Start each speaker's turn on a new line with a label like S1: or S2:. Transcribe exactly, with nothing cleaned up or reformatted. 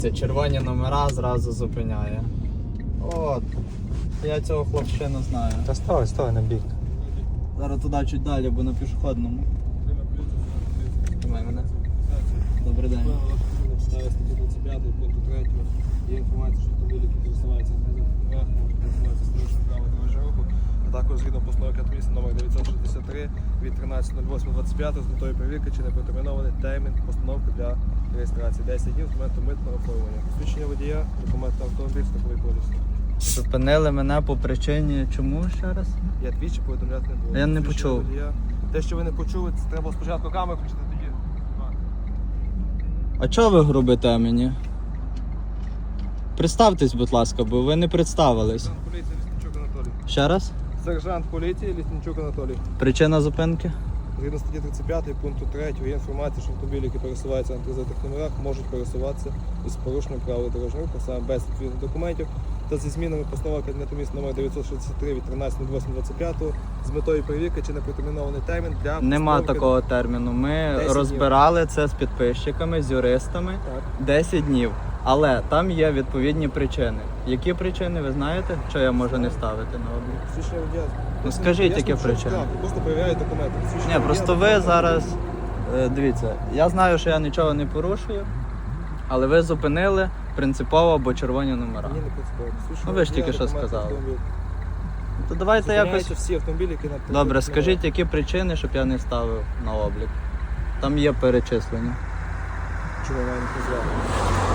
S1: Це червоні номера зразу зупиняє. От. Я цього хлопчину знаю.
S2: Та ставай, ставай на бік.
S1: Зараз туди чуть далі, бо на пішохідному. Тримай мене. Добрий день.
S3: Ставить статтю двадцять п'ять пункту третього. Є інформація, що автомобіль, який користуваються на номерах, можуть користуватися стрічним правил дорожнього руху. А також згідно постанови Кабміну номер дев'ятсот шістдесят три від тринадцятого ноль восьмого двадцять п'ятого з метою перевірки, чи не протермінований термін постановки для реєстрації. десять днів з моменту митного оформлення. Посвідчення водія, документ на автомобіль, страховий поліс.
S1: Зупинили мене по причині чому ще раз?
S3: Я двічі повідомляти не буду.
S1: Я не
S3: Посвідчення
S1: почув.
S3: водія. Те, що ви не почули, це треба спочатку камеру включити тоді.
S1: А чого ви грубите мені? Представтесь, будь ласка, бо ви не представились.
S3: Сержант поліції Лісничук Анатолій.
S1: Ще раз?
S3: Сержант поліції Лісничук Анатолій.
S1: Причина зупинки?
S3: Згідно статті тридцять п'ять пункту третього є інформація, що автомобілі, які пересуваються на тризитих номерах, можуть пересуватися із порушенням правил дорожнього руху, саме без відповідних документів та зі змінами постанови Кабінету міністрів номер дев'ятсот шістдесят три від тринадцятого восьмого двадцять п'ятого з метою перевірки, чи не протермінований термін для
S1: Нема
S3: постановки-
S1: такого терміну. Ми
S3: десять
S1: розбирали це з підписчиками, з юристами.
S3: Так.
S1: десять днів. Але там є відповідні причини. Які причини, ви знаєте, що я можу не ставити на облік?
S3: Посвідчення водія.
S1: Ну, скажіть, які
S3: Ясно, що
S1: причини.
S3: штраф, Просто перевіряють документи. Посвідчення
S1: Ні,
S3: водія,
S1: просто ви
S3: документи.
S1: зараз, е, дивіться, я знаю, що я нічого не порушую, але ви зупинили принципово, бо червоні номера.
S3: Ні, не принципово. Посвідчення
S1: Ну, ви ж
S3: водія,
S1: тільки що
S3: документи,
S1: сказали.
S3: автомобіль.
S1: То давайте якось.
S3: Зупиняються всі автомобілі, які на тризитих
S1: Добре,
S3: номерах.
S1: скажіть, які причини, щоб я не ставив на облік. Там є перечислення.
S3: Чому я не назвав?